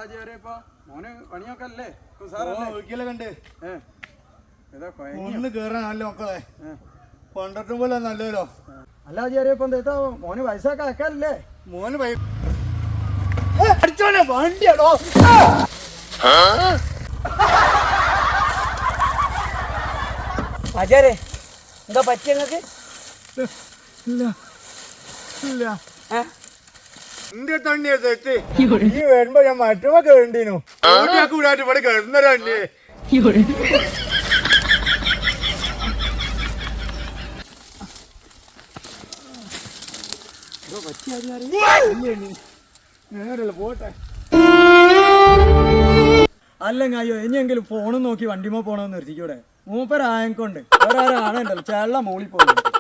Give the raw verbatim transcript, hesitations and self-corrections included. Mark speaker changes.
Speaker 1: മോന് പണിയൊക്കെ അല്ലേ
Speaker 2: കണ്ട് ഒന്ന് കേറാൻ നല്ല മക്കളെ കൊണ്ടിട്ടും പോലെ നല്ലല്ലോ.
Speaker 1: അല്ല ചെറിയപ്പോ എന്താ മോന് പൈസയൊക്കെ അയക്കാല്ലേ?
Speaker 2: മോന് അടിച്ചോനെ വണ്ടിയാണോ?
Speaker 3: ആചാരേ എന്താ പറ്റിയ നിങ്ങക്ക്?
Speaker 2: ഇല്ല ഇല്ല എന്റെ തണ്ണിയെ തെറ്റ് ഈ വരുമ്പോ ഞാൻ മറ്റുമ്പോ കേണ്ടീനു കൂടാട്ട് ഇവിടെ കിടന്നല്ലേ. നേരല്ല പോട്ടെ.
Speaker 1: അല്ലെങ്കിൽ അയ്യോ ഇനിയെങ്കിലും ഫോണും നോക്കി വണ്ടിമോ പോണോന്ന് നിർത്തിക്കൂടെ? മൂപ്പരായക്കൊണ്ട് വേറെ ആരാണല്ലോ ചേള്ള മൂളി പോകുന്നത്.